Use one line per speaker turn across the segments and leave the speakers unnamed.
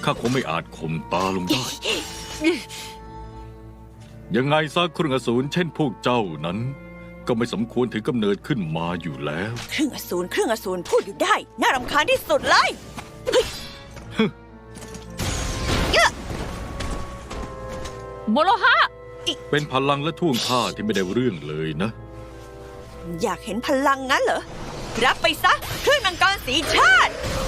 ข้าคงไม่อาจข่มตาลงได้ ยังไงซะเครื่องอสูรเช่นพวกเจ้านั้น ก็ไม่สมควรถือกำเนิดขึ้นมาอยู่แล้ว
เครื่องอสูรพูดอยู่ได้น่ารำคาญที่สุดเลย
โมโลฮะ
เป็นพลังและท่วงท่าที่ไม่ได้เรื่องเลยนะ
อยากเห็นพลังงั้นเหรอ รับไปซะเครื่องมังกรสีชาติ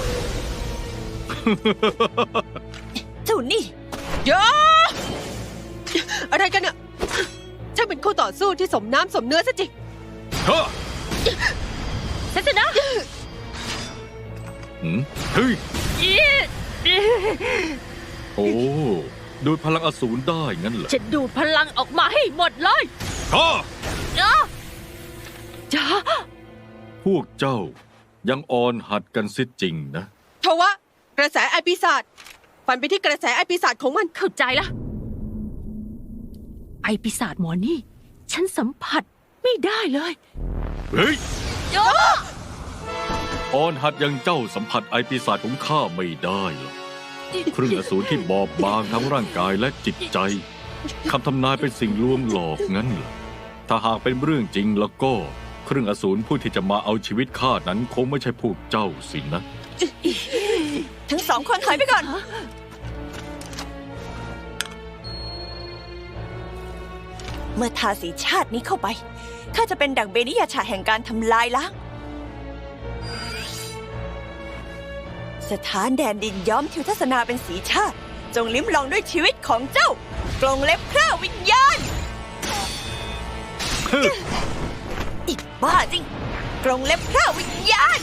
เจ้านี่
เยอะอะไรกันเนี่ยช่างเป็นคู่ต่อสู้ที่สมน้ำสมเนื้อซะจริง
เซสนะ
เฮ้ย โอ้ดูดพลังอสูรได้งั้นเหรอ
จะดูดพลังออกมาให้หมดเลย
ฮ่า
จ้า
พวกเจ้ายังอ่อนหัดกันซิจริงนะ
ทว่ากระแสไอปีศาจฟันไปที่กระแสไอปีศาจของมัน
เข้าใจละไอปีศาจหมอนี่ ฉันสัมผัสไม่ได้เลย
เฮ้ยอ่อนหัดยังเจ้าสัมผัสไอปีศาจของข้าไม่ได้หรอกเครื่องอสูรที่บอบบางทั้งร่างกายและจิตใจคำทำนายเป็นสิ่งลวงหลอกงั้นเหรอถ้าหากเป็นเรื่องจริงแล้วก็เครื่องอสูรผู้ที่จะมาเอาชีวิตข้านั้นคงไม่ใช่พวกเจ้าสินะ
ทั้งสองคนถอยไปก่อน เมื่อทาสีชาตินี้เข้าไปข้าจะเป็นดั่งเบนิยาชาแห่งการทำลายล้าง สถานแดนดินย้อมทิวทัศนาเป็นสีชาติจงลิ้มลองด้วยชีวิตของเจ้ากรงเล็บคร่าวิญญาณ อีกบ้าจริงกรงเล็บคร่าวิญญาณ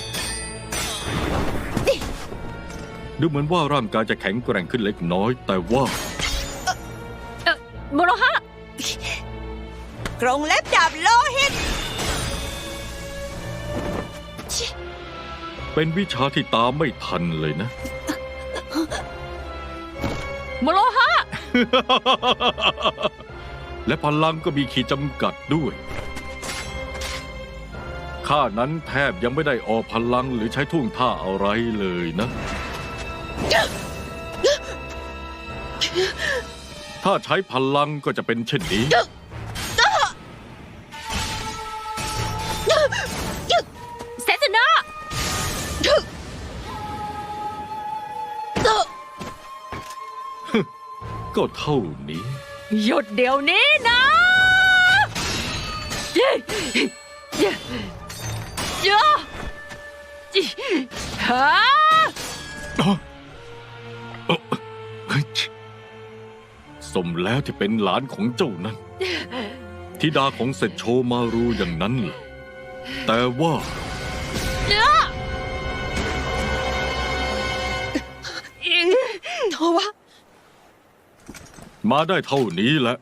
ดูเหมือนว่าร่างกายจะแข็งแกร่งขึ้นเล็กน้อย แต่ว่า
โมโลฮะ
กรงเล็บดาบโลหิต
เป็นวิชาที่ตามไม่ทันเลยนะ
โมโลฮะ
และพลังก็มีขีดจำกัดด้วยข้านั้นแทบยังไม่ได้ออกพลังหรือใช้ท่วงท่าอะไรเลยนะ ถ้าใช้พลังก็จะเป็นเช่นนี้
เซสนะ
ก็เท่านี้
หยุดเดี๋ยวนี้นะเย้เย้เย้ฮะ
สมแล้วที่เป็นหลานของเจ้านั้นธิดาของเศรษฐโชมารูอย่างนั้นเหรอแต่ว่า
ทว่า
มาได้เท่านี้แหละ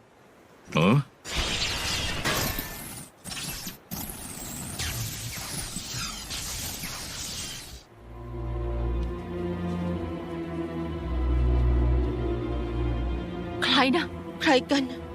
ใครนะ
ใครกัน